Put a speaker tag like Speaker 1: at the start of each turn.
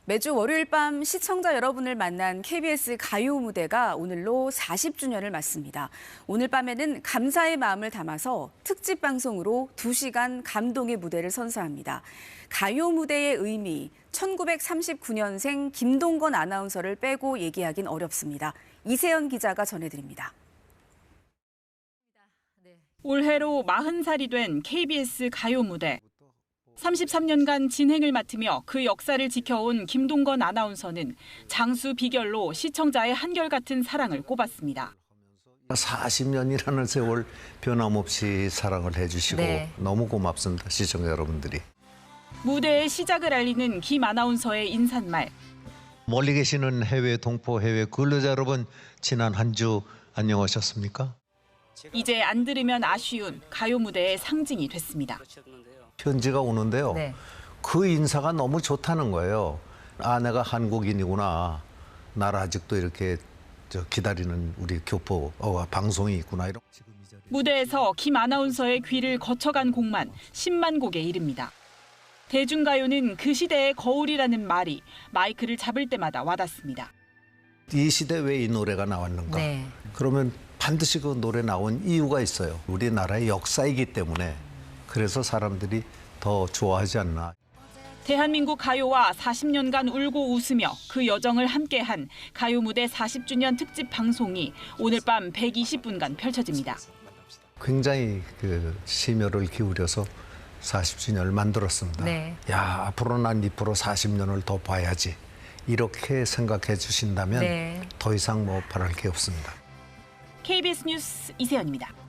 Speaker 1: 매주 월요일 밤 시청자 여러분을 만난 KBS 가요 무대가 오늘로 40주년을 맞습니다. 오늘 밤에는 감사의 마음을 담아서 특집 방송으로 2시간 감동의 무대를 선사합니다. 가요 무대의 의미, 1939년생 김동건 아나운서를 빼고 얘기하긴 어렵습니다. 이세연 기자가 전해드립니다.
Speaker 2: 올해로 40살이 된 KBS 가요 무대. 33년간 진행을 맡으며 그 역사를 지켜온 김동건 아나운서는 장수 비결로 시청자의 한결같은 사랑을 꼽았습니다.
Speaker 3: 40년이라는 세월 변함없이 사랑을 해주시고 너무 고맙습니다, 시청자 여러분들이.
Speaker 2: 무대의 시작을 알리는 김 아나운서의 인사말.
Speaker 3: 멀리 계시는 해외 동포, 해외 근로자 여러분, 지난 한 주 안녕하셨습니까?
Speaker 2: 이제 안 들으면 아쉬운 가요 무대의 상징이 됐습니다.
Speaker 3: 편지가 오는데요. 그 인사가 너무 좋다는 거예요. 아, 내가 한국인이구나. 나를 아직도 이렇게 기다리는 우리 교포 방송이 있구나.
Speaker 2: 무대에서 김 아나운서의 귀를 거쳐간 곡만 10만 곡에 이릅니다. 대중가요는 그 시대의 거울이라는 말이 마이크를 잡을 때마다 와닿습니다.
Speaker 3: 이 시대 왜 이 노래가 나왔는가? 그러면 반드시 그 노래 나온 이유가 있어요. 우리나라의 역사이기 때문에. 그래서 사람들이 더 좋아하지 않나.
Speaker 2: 대한민국 가요와 40년간 울고 웃으며 그 여정을 함께한 가요 무대 40주년 특집 방송이 오늘 밤 120분간 펼쳐집니다.
Speaker 3: 굉장히 심혈을 기울여서 40주년을 만들었습니다. 야, 앞으로 난 앞으로 40년을 더 봐야지. 이렇게 생각해 주신다면 더 이상 바랄 게 없습니다.
Speaker 2: KBS 뉴스 이세연입니다.